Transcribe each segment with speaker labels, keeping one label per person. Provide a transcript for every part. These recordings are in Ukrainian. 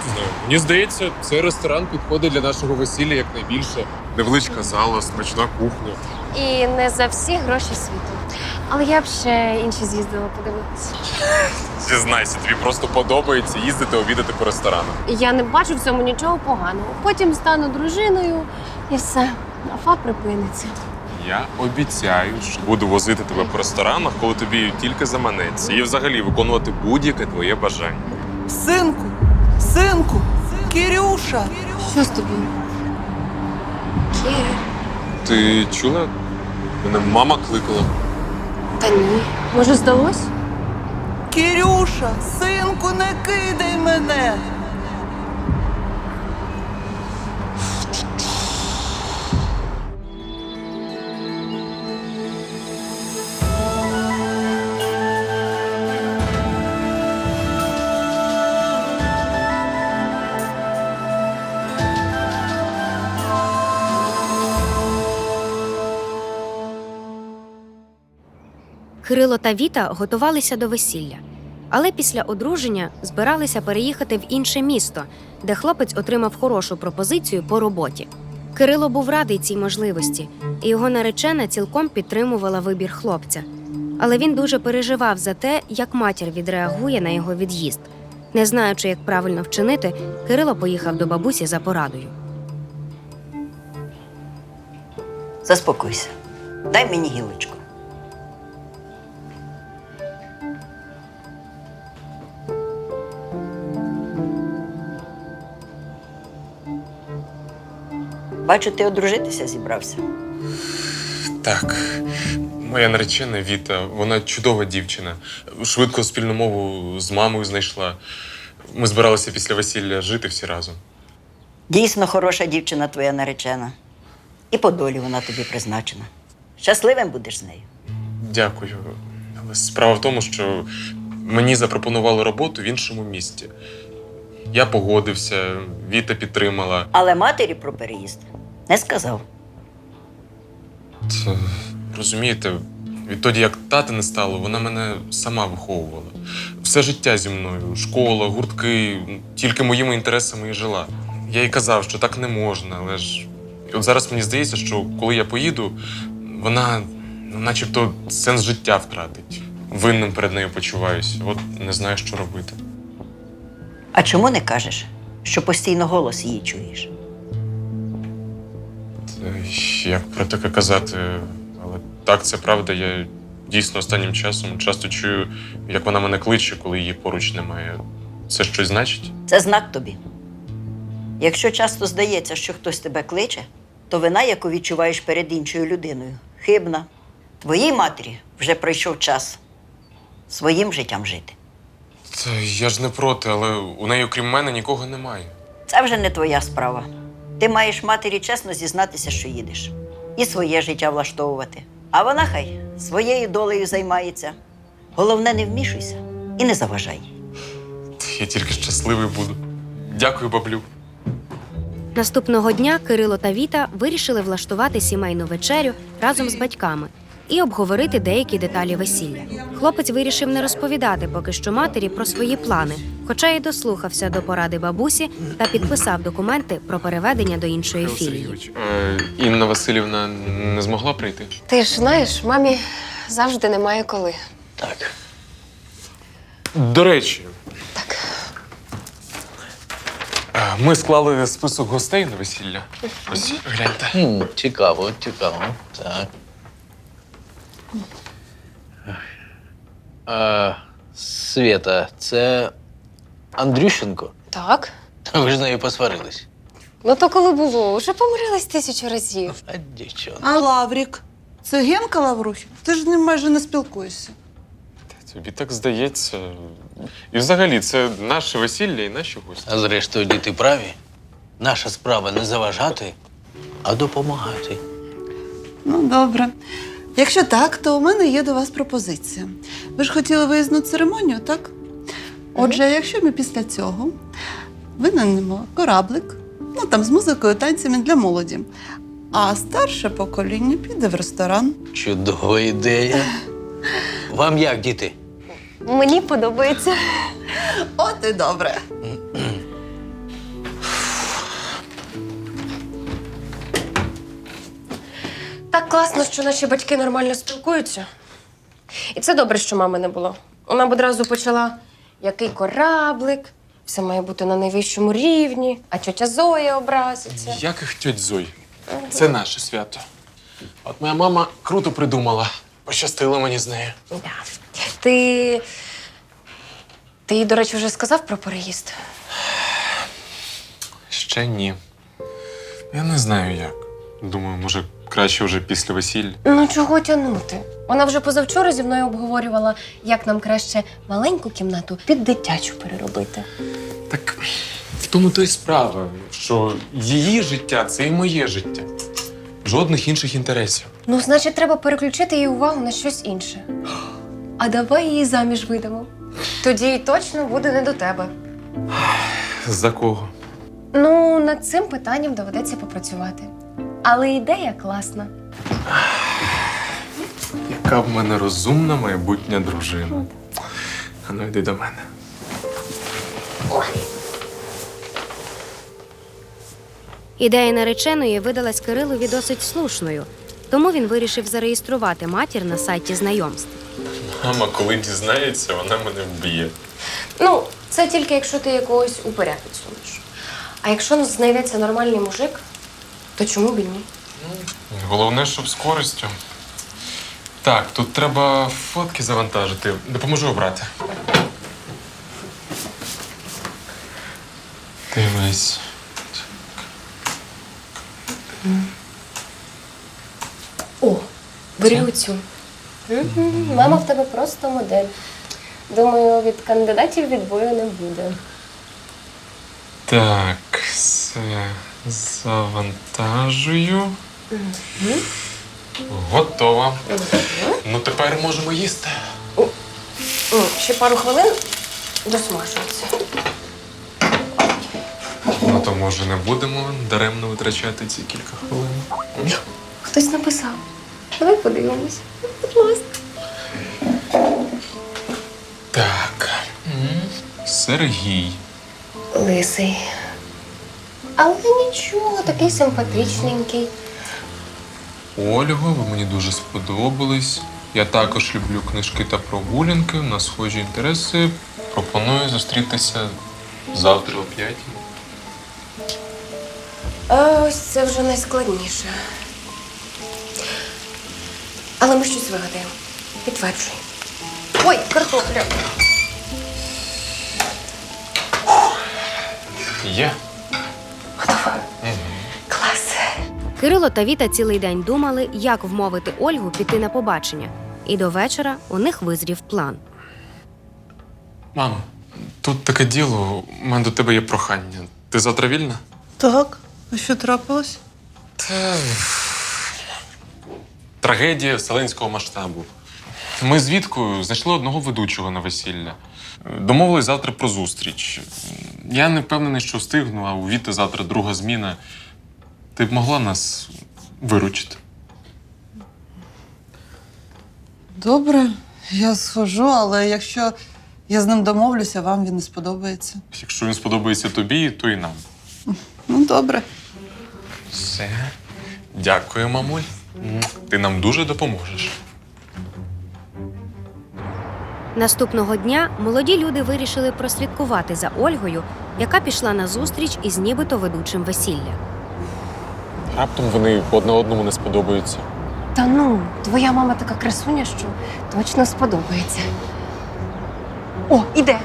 Speaker 1: знаю. Мені здається, цей ресторан підходить для нашого весілля якнайбільше. Невеличка зала, смачна кухня.
Speaker 2: І не за всі гроші світу. Але я б ще інші з'їздила подивитися.
Speaker 1: Зізнайся, тобі просто подобається їздити обідати по ресторанах.
Speaker 2: Я не бачу в цьому нічого поганого. Потім стану дружиною і все. Афа припиниться.
Speaker 1: Я обіцяю, що буду возити тебе по ресторанах, коли тобі тільки заманеться. І взагалі виконувати будь-яке твоє бажання.
Speaker 3: Синку, синку, Кирюша.
Speaker 2: Що з тобою? Кіра?
Speaker 1: Ти чула? Мене мама кликала.
Speaker 2: Та ні. Може, здалось?
Speaker 3: Кирюша, синку, не кидай мене.
Speaker 4: Кирило та Віта готувалися до весілля, але після одруження збиралися переїхати в інше місто, де хлопець отримав хорошу пропозицію по роботі. Кирило був радий цій можливості, і його наречена цілком підтримувала вибір хлопця. Але він дуже переживав за те, як матір відреагує на його від'їзд. Не знаючи, як правильно вчинити, Кирило поїхав до бабусі за порадою.
Speaker 5: Заспокойся. Дай мені гілочку. Бачу, ти одружитися зібрався.
Speaker 1: Так, моя наречена Віта, вона чудова дівчина. Швидко спільну мову з мамою знайшла. Ми збиралися після весілля жити всі разом.
Speaker 5: Дійсно хороша дівчина твоя наречена. І по долі вона тобі призначена. Щасливим будеш з нею.
Speaker 1: Дякую. Але справа в тому, що мені запропонували роботу в іншому місті. Я погодився, Віта підтримала.
Speaker 5: Але матері про переїзд не сказав.
Speaker 1: Та, розумієте, відтоді, як тата не стало, вона мене сама виховувала. Все життя зі мною, школа, гуртки, тільки моїми інтересами і жила. Я їй казав, що так не можна, але ж от зараз мені здається, що коли я поїду, вона начебто сенс життя втратить. Винним перед нею почуваюся. От не знаю, що робити.
Speaker 5: А чому не кажеш, що постійно голос її чуєш?
Speaker 1: Як про таке казати, але так, це правда. Я дійсно останнім часом часто чую, як вона мене кличе, коли її поруч немає. Це щось значить?
Speaker 5: Це знак тобі. Якщо часто здається, що хтось тебе кличе, то вина, яку відчуваєш перед іншою людиною, хибна. Твоїй матері вже пройшов час своїм життям жити.
Speaker 1: Та я ж не проти, але у неї, окрім мене, нікого немає.
Speaker 5: Це вже не твоя справа. Ти маєш матері чесно зізнатися, що їдеш. І своє життя влаштовувати. А вона хай своєю долею займається. Головне, не вмішуйся і не заважай.
Speaker 1: Я тільки щасливий буду. Дякую, баблю.
Speaker 4: Наступного дня Кирило та Віта вирішили влаштувати сімейну вечерю разом з батьками і обговорити деякі деталі весілля. Хлопець вирішив не розповідати поки що матері про свої плани, хоча й дослухався до поради бабусі та підписав документи про переведення до іншої філії.
Speaker 1: Інна Василівна не змогла прийти?
Speaker 2: Ти ж знаєш, мамі завжди немає коли.
Speaker 1: Так. До речі,
Speaker 2: Так.
Speaker 1: ми склали список гостей на весілля. Ось, гляньте.
Speaker 6: Цікаво, цікаво. Так. Свєта, це Андрющенко?
Speaker 2: Так.
Speaker 6: Та ви ж з нею посварились.
Speaker 2: Ну то коли було? Уже помирились 1000 разів.
Speaker 6: А дівчонка.
Speaker 3: А Лаврік? Це Генка Лаврухін? Ти ж з ним майже не спілкуєшся.
Speaker 1: Тобі так здається. І взагалі, це наше весілля і наші гості.
Speaker 6: А зрештою, діти праві. Наша справа не заважати, а допомагати.
Speaker 3: Ну, добре. Якщо так, то у мене є до вас пропозиція. Ви ж хотіли виїзну церемонію, так? Отже, якщо ми після цього винаймемо кораблик, ну там з музикою, танцями для молоді, а старше покоління піде в ресторан.
Speaker 6: Чудова ідея. Вам як, діти?
Speaker 2: Мені подобається.
Speaker 3: От і добре.
Speaker 2: Так класно, що наші батьки нормально спілкуються. І це добре, що мами не було. Вона б одразу почала, який кораблик, все має бути на найвищому рівні, а тьотя Зоя образиться.
Speaker 1: Яких тьоть Зой? Це наше свято. От моя мама круто придумала. Пощастило мені з нею.
Speaker 2: Да. Ти їй, до речі, вже сказав про переїзд?
Speaker 1: Ще ні. Я не знаю як. Думаю, може, краще вже після весілля.
Speaker 2: Ну, чого тягнути? Вона вже позавчора зі мною обговорювала, як нам краще маленьку кімнату під дитячу переробити.
Speaker 1: Так в тому то й справа, що її життя це і моє життя. Жодних інших інтересів.
Speaker 2: Ну, значить, треба переключити її увагу на щось інше. А давай її заміж видамо. Тоді й точно буде не до тебе.
Speaker 1: За кого?
Speaker 2: Ну, над цим питанням доведеться попрацювати. Але ідея класна.
Speaker 1: Яка в мене розумна майбутня дружина. А ну йди до мене.
Speaker 4: Ідея нареченої видалась Кирилові досить слушною, тому він вирішив зареєструвати матір на сайті знайомств.
Speaker 1: Мама, коли дізнається, вона мене вб'є.
Speaker 2: Ну, це тільки якщо ти якогось упиря підсунеш. А якщо знайдеться нормальний мужик, то чому б і ні?
Speaker 1: Головне, щоб з користю. Так, тут треба фотки завантажити. Допоможу обрати. Дивись.
Speaker 2: О, бери оцю. Мама в тебе просто модель. Думаю, від кандидатів відбою не буде.
Speaker 1: Так, все завантажую. Готово. Ну, тепер можемо їсти.
Speaker 2: Ще пару хвилин досмажується.
Speaker 1: Ну, то, може, не будемо даремно витрачати ці кілька хвилин.
Speaker 2: Хтось написав. Давай подивимось. Будь ласка.
Speaker 1: Так. Сергій.
Speaker 2: Лисий. Але нічого, такий симпатичненький.
Speaker 1: Ольго, ви мені дуже сподобались. Я також люблю книжки та прогулянки. У нас схожі інтереси. Пропоную зустрітися завтра о 5.
Speaker 2: А ось це вже найскладніше. Але ми щось вигадаємо. Підтверджуй. Ой, картопля.
Speaker 1: Є.
Speaker 2: Готова. Клас.
Speaker 4: Кирило та Віта цілий день думали, як вмовити Ольгу піти на побачення. І до вечора у них визрів план.
Speaker 1: Мамо, тут таке діло. У мене до тебе є прохання. Ти завтра вільна?
Speaker 3: Так, а що трапилось?
Speaker 1: Трагедія вселенського масштабу. Ми з Віткою знайшли одного ведучого на весілля. Домовились завтра про зустріч. Я не впевнений, що встигну, а у Віти завтра друга зміна. Ти б могла нас виручити?
Speaker 3: Добре, я схожу, але якщо я з ним домовлюся, вам він не сподобається.
Speaker 1: Якщо він сподобається тобі, то і нам.
Speaker 3: Ну, добре.
Speaker 1: Все. Дякую, мамуль. Ти нам дуже допоможеш.
Speaker 4: Наступного дня молоді люди вирішили прослідкувати за Ольгою, яка пішла на зустріч із нібито ведучим весілля.
Speaker 1: Раптом вони одне одному не сподобаються.
Speaker 2: Та ну, твоя мама така красуня, що точно сподобається. О, іде.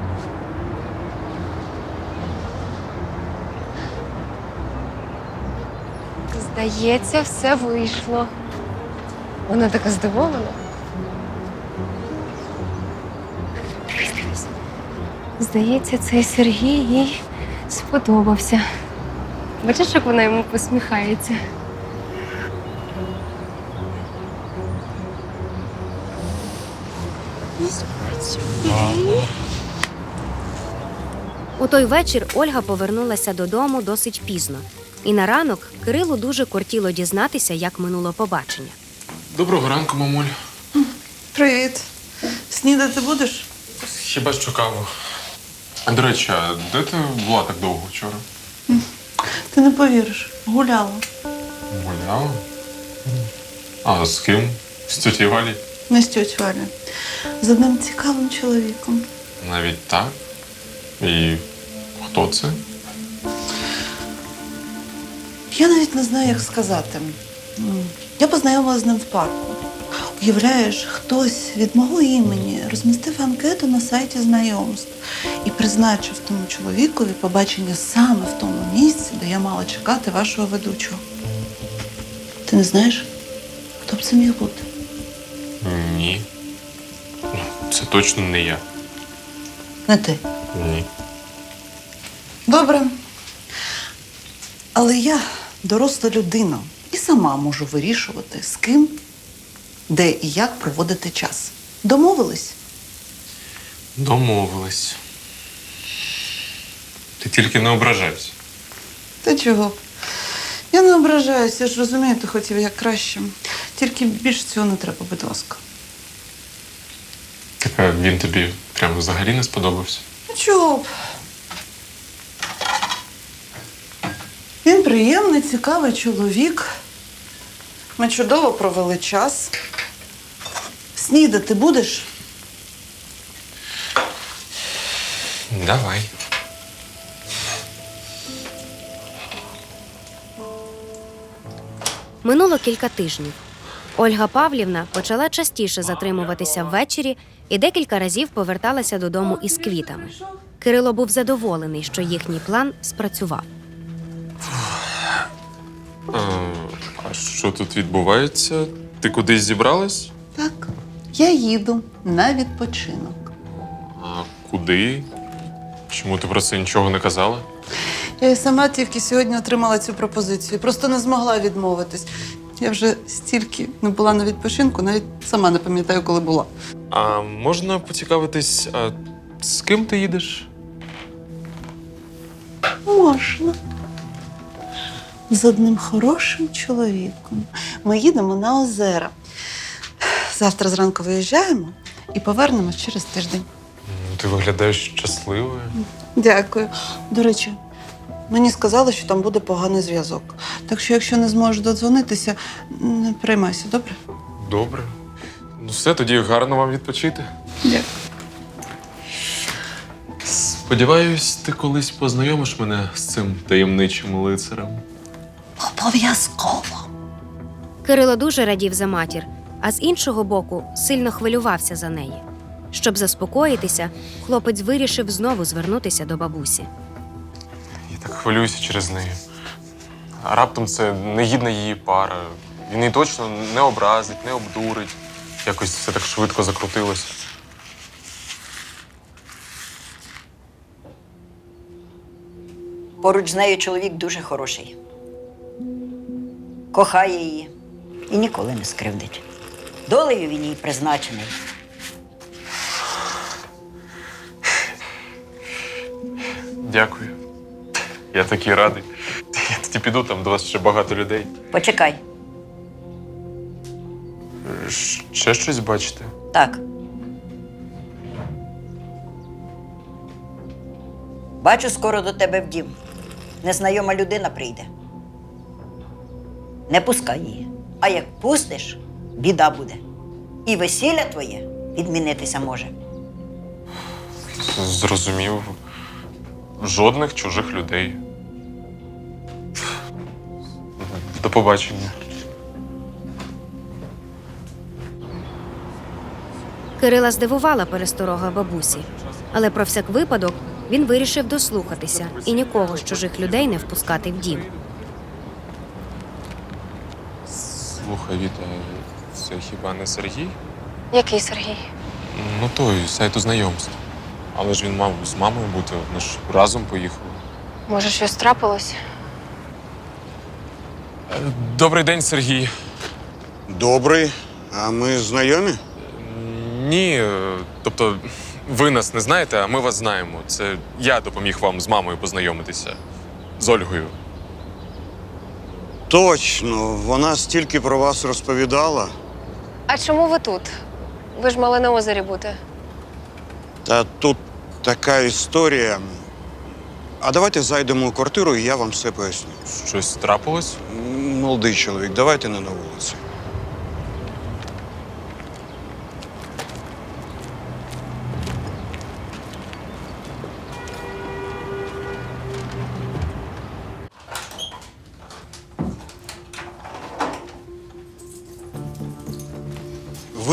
Speaker 2: Здається, все вийшло. Вона така здивована. Здається, цей Сергій їй сподобався. Бачиш, як вона йому посміхається?
Speaker 4: У той вечір Ольга повернулася додому досить пізно. І на ранок Кирилу дуже кортіло дізнатися, як минуло побачення.
Speaker 1: Доброго ранку, мамуль.
Speaker 3: Привіт. Снідати будеш?
Speaker 1: Хіба що каву. До речі, а де ти була так довго вчора?
Speaker 3: Ти не повіриш, гуляла.
Speaker 1: Гуляла? А з ким? З тьоті Валі?
Speaker 3: Не з тьоть Валя. З одним цікавим чоловіком.
Speaker 1: Навіть так? І хто це?
Speaker 3: Я навіть не знаю, як сказати. Я познайомилася з ним в парку. Уявляєш, хтось від мого імені розмістив анкету на сайті знайомств і призначив тому чоловікові побачення саме в тому місці, де я мала чекати вашого ведучого. Ти не знаєш, хто б це міг бути?
Speaker 1: Ні. Ну, це точно не я.
Speaker 3: Не ти.
Speaker 1: Ні.
Speaker 3: Добре. Але я доросла людина і сама можу вирішувати, з ким, де і як проводити час. Домовились?
Speaker 1: Домовились. Ти тільки не ображайся.
Speaker 3: Та чого? Я не ображаюся, я ж розумію, ти хотів як краще. Тільки більше цього не треба, будь ласка.
Speaker 1: Так а він тобі прямо взагалі не сподобався?
Speaker 3: Ну чого б? Він приємний, цікавий чоловік. Ми чудово провели час. Снідати будеш?
Speaker 1: Давай.
Speaker 4: Минуло кілька тижнів. Ольга Павлівна почала частіше затримуватися ввечері і декілька разів поверталася додому із квітами. Кирило був задоволений, що їхній план спрацював.
Speaker 1: А що тут відбувається? Ти кудись зібралась?
Speaker 3: Так. Я їду на відпочинок.
Speaker 1: А куди? Чому ти про це нічого не казала?
Speaker 3: Я і сама тільки сьогодні отримала цю пропозицію. Просто не змогла відмовитись. Я вже стільки не була на відпочинку, навіть сама не пам'ятаю, коли була.
Speaker 1: А можна поцікавитись, а з ким ти їдеш?
Speaker 3: Можна. З одним хорошим чоловіком. Ми їдемо на озера. Завтра зранку виїжджаємо і повернемось через тиждень.
Speaker 1: Ти виглядаєш щасливою.
Speaker 3: Дякую. До речі, мені сказали, що там буде поганий зв'язок. Так що, якщо не зможеш додзвонитися, не переймайся, добре?
Speaker 1: Добре. Ну все, тоді гарно вам відпочити.
Speaker 3: Дякую.
Speaker 1: Сподіваюсь, ти колись познайомиш мене з цим таємничим лицарем.
Speaker 3: Обов'язково.
Speaker 4: Кирило дуже радів за матір, а з іншого боку сильно хвилювався за неї. Щоб заспокоїтися, хлопець вирішив знову звернутися до бабусі.
Speaker 1: Я так хвилююся через неї. А раптом це негідна її пара. Він її точно не образить, не обдурить. Якось все так швидко закрутилося.
Speaker 5: Поруч з нею чоловік дуже хороший. Кохає її і ніколи не скривдить. Долею він їй призначений.
Speaker 1: Дякую. Я такий радий. Я тоді піду, там до вас ще багато людей.
Speaker 5: Почекай.
Speaker 1: Ще щось бачите?
Speaker 5: Так. Бачу, скоро до тебе в дім. Незнайома людина прийде. Не пускай її. А як пустиш, біда буде. І весілля твоє відмінитися може.
Speaker 1: Зрозумів. Жодних чужих людей. До побачення.
Speaker 4: Кирила здивувала пересторога бабусі, але про всяк випадок він вирішив дослухатися і нікого з чужих людей не впускати в дім.
Speaker 1: Слухай, Віта, це хіба не Сергій?
Speaker 2: Який Сергій?
Speaker 1: Ну той, з сайту знайомств. Але ж він мав з мамою бути, вони ж разом поїхали.
Speaker 2: Може, щось трапилось?
Speaker 1: Добрий день, Сергій.
Speaker 7: Добрий. А ми знайомі?
Speaker 1: Ні, тобто ви нас не знаєте, а ми вас знаємо. Це я допоміг вам з мамою познайомитися. З Ольгою.
Speaker 7: Точно, вона стільки про вас розповідала.
Speaker 2: А чому ви тут? Ви ж мали на озері бути.
Speaker 7: Та тут така історія. А давайте зайдемо у квартиру і я вам все поясню.
Speaker 1: Щось трапилось?
Speaker 7: Молодий чоловік, давайте не на вулиці.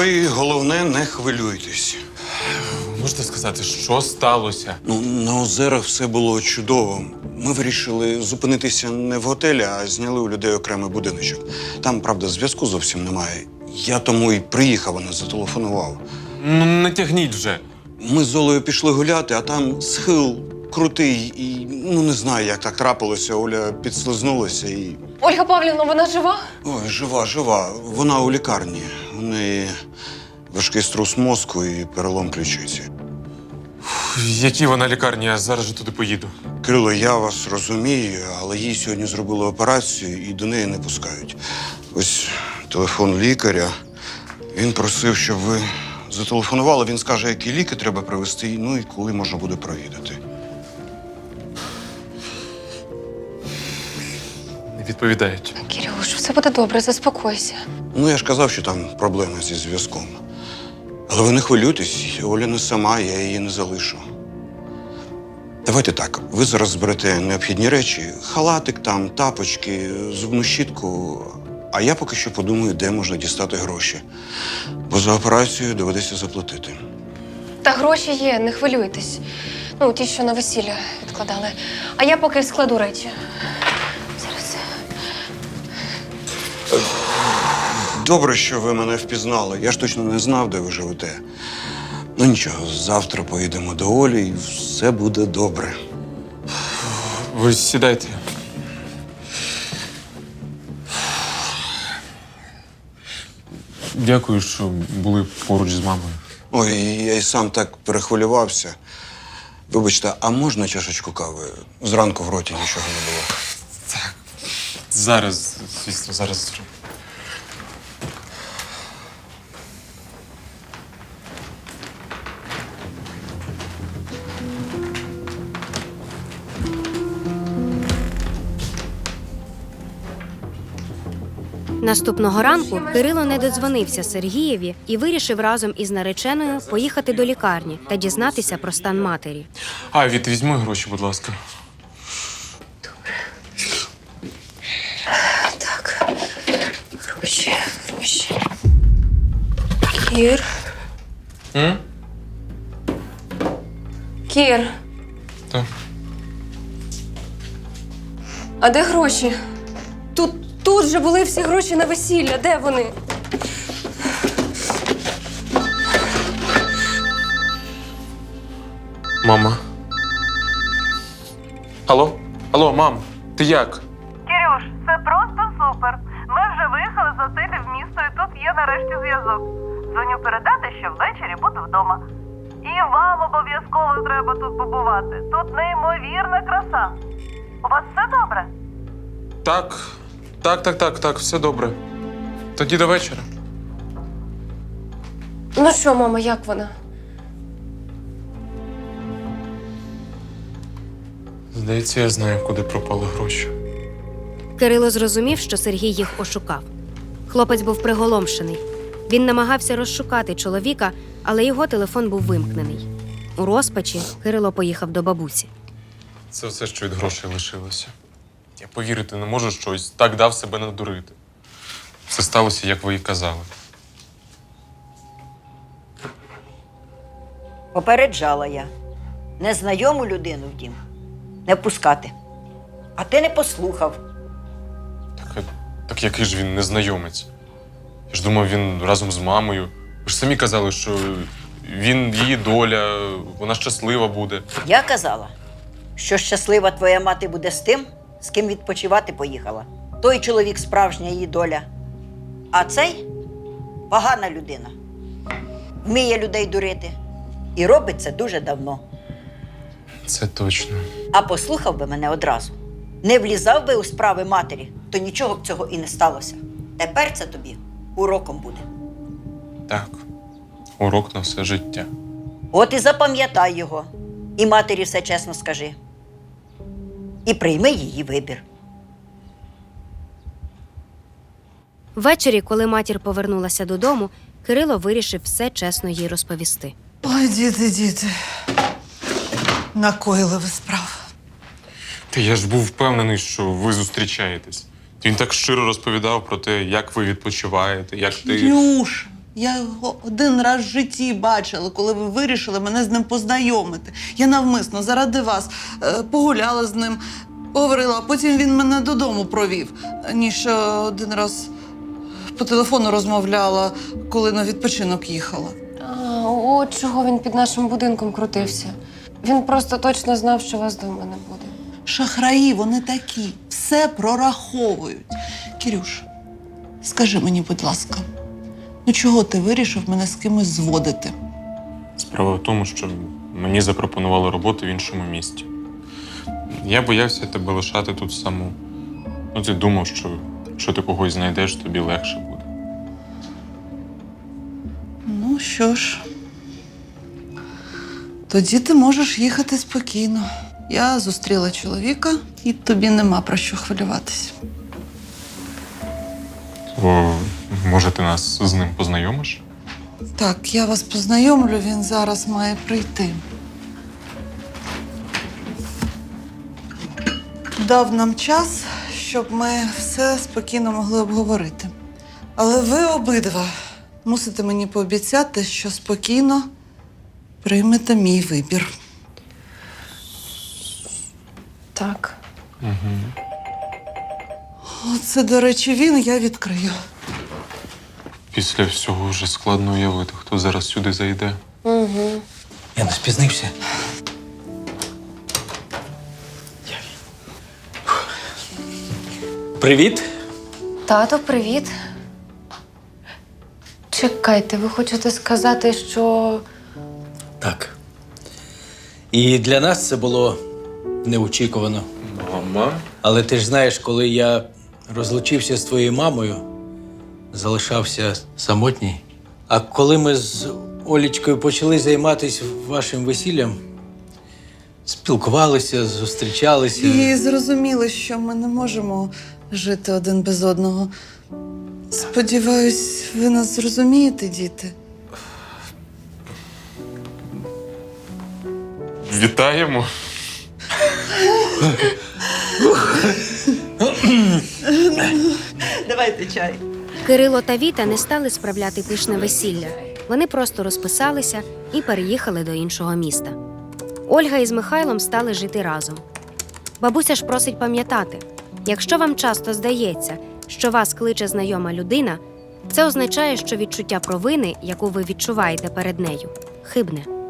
Speaker 7: Ви, головне, не хвилюйтесь.
Speaker 1: Можете сказати, що сталося?
Speaker 7: Ну, на озерах все було чудово. Ми вирішили зупинитися не в готелі, а зняли у людей окремий будиночок. Там, правда, зв'язку зовсім немає. Я тому і приїхав, а не зателефонував.
Speaker 1: Ну, не тягніть вже.
Speaker 7: Ми з Олею пішли гуляти, а там схил крутий і не знаю, як так трапилося. Оля підслизнулася і.
Speaker 2: Ольга Павлівна, вона жива?
Speaker 7: Ой, жива. Вона у лікарні. У неї важкий струс мозку і перелом ключиці.
Speaker 1: В якій вона лікарні, я зараз же туди поїду.
Speaker 7: Кирило, я вас розумію, але їй сьогодні зробили операцію і до неї не пускають. Ось телефон лікаря. Він просив, щоб ви зателефонували. Він скаже, які ліки треба привезти, ну і коли можна буде провідати.
Speaker 1: Не відповідають.
Speaker 2: Кирюш, все буде добре, заспокойся.
Speaker 7: Ну, я ж казав, що там проблеми зі зв'язком. Але ви не хвилюйтесь, Оля не сама, я її не залишу. Давайте так, ви зараз зберете необхідні речі, халатик там, тапочки, зубну щітку, а я поки що подумаю, де можна дістати гроші. Бо за операцію доведеться заплатити.
Speaker 2: Та гроші є, не хвилюйтесь. Ну, ті, що на весілля відкладали. А я поки складу речі. Зараз.
Speaker 7: Добре, що ви мене впізнали. Я ж точно не знав, де ви живете. Ну нічого, завтра поїдемо до Олі і все буде добре.
Speaker 1: Ви сідайте. Дякую, що були поруч з мамою.
Speaker 7: Ой, я й сам так перехвилювався. Вибачте, а можна чашечку кави? Зранку в роті нічого не було.
Speaker 1: Зараз, звісно, зараз.
Speaker 4: Наступного ранку Кирило не додзвонився Сергієві і вирішив разом із нареченою поїхати до лікарні та дізнатися про стан матері.
Speaker 1: А, Віт, візьми гроші, будь ласка.
Speaker 2: Так. Гроші. Кір.
Speaker 1: М?
Speaker 2: Кір.
Speaker 1: Так.
Speaker 2: А де гроші? Тут же були всі гроші на весілля. Де вони?
Speaker 1: Мама. Алло? Алло, мам, ти як?
Speaker 8: Кирюш, це просто супер. Ми вже виїхали з готелю в місто і тут є нарешті зв'язок. Дзвоню передати, що ввечері буду вдома. І вам обов'язково треба тут побувати. Тут неймовірна краса. У вас все добре?
Speaker 1: Так, все добре. Тоді до вечора.
Speaker 2: Ну що, мама, як вона?
Speaker 1: Здається, я знаю, куди пропали гроші.
Speaker 4: Кирило зрозумів, що Сергій їх ошукав. Хлопець був приголомшений. Він намагався розшукати чоловіка, але його телефон був вимкнений. У розпачі Кирило поїхав до бабусі.
Speaker 1: Це все, що від грошей лишилося. Я повірити не можу, що ось так дав себе надурити. Все сталося, як ви і казали.
Speaker 5: Попереджала я. Незнайому людину в дім не впускати. А ти не послухав.
Speaker 1: Так який ж він незнайомець? Я ж думав, він разом з мамою. Ви ж самі казали, що він її доля, вона щаслива буде.
Speaker 5: Я казала, що щаслива твоя мати буде з тим, з ким відпочивати поїхала. Той чоловік справжня її доля. А цей погана людина. Вміє людей дурити. І робить це дуже давно.
Speaker 1: Це точно.
Speaker 5: А послухав би мене одразу. Не влізав би у справи матері, то нічого б цього і не сталося. Тепер це тобі уроком буде.
Speaker 1: Так, урок на все життя.
Speaker 5: От і запам'ятай його. І матері все чесно скажи. І прийми її вибір.
Speaker 4: Ввечері, коли матір повернулася додому, Кирило вирішив все чесно їй розповісти.
Speaker 3: Ой, діти. Накоїли ви справ.
Speaker 1: Та я ж був впевнений, що ви зустрічаєтесь. Він так щиро розповідав про те, як ви відпочиваєте, як ти.
Speaker 3: Нюш, Я його один раз в житті бачила, коли ви вирішили мене з ним познайомити. Я навмисно заради вас погуляла з ним, поговорила, а потім він мене додому провів. Ніж один раз по телефону розмовляла, коли на відпочинок їхала.
Speaker 2: А, от чого він під нашим будинком крутився. Він просто точно знав, що вас вдома не буде.
Speaker 3: Шахраї, вони такі, все прораховують. Кірюш, скажи мені, будь ласка, ну чого ти вирішив мене з кимось зводити?
Speaker 1: Справа в тому, що мені запропонували роботу в іншому місті. Я боявся тебе лишати тут саму. Ну, ти думав, що якщо ти когось знайдеш, тобі легше буде.
Speaker 3: Ну що ж, тоді ти можеш їхати спокійно. Я зустріла чоловіка, і тобі нема про що хвилюватись.
Speaker 1: То, може, ти нас з ним познайомиш?
Speaker 3: Так, я вас познайомлю, він зараз має прийти. Дав нам час, щоб ми все спокійно могли обговорити. Але ви обидва мусите мені пообіцяти, що спокійно приймете мій вибір.
Speaker 2: Так.
Speaker 3: Оце, до речі, він, я відкрию.
Speaker 1: Після всього вже складно уявити, хто зараз сюди зайде.
Speaker 2: Угу.
Speaker 6: Я не спізнився. Привіт.
Speaker 2: Тато, привіт. Чекайте, ви хочете сказати, що.
Speaker 6: Так. І для нас це було неочікувано.
Speaker 1: Мама?
Speaker 6: Але ти ж знаєш, коли я розлучився з твоєю мамою, залишався самотній. А коли ми з Олічкою почали займатися вашим весіллям, спілкувалися, зустрічалися.
Speaker 3: І зрозуміли, що ми не можемо жити один без одного. Сподіваюсь, ви нас зрозумієте, діти.
Speaker 1: Вітаємо.
Speaker 5: Давайте чай.
Speaker 4: Кирило та Віта не стали справляти пишне весілля. Вони просто розписалися і переїхали до іншого міста. Ольга із Михайлом стали жити разом. Бабуся ж просить пам'ятати, якщо вам часто здається, що вас кличе знайома людина, це означає, що відчуття провини, яку ви відчуваєте перед нею, хибне.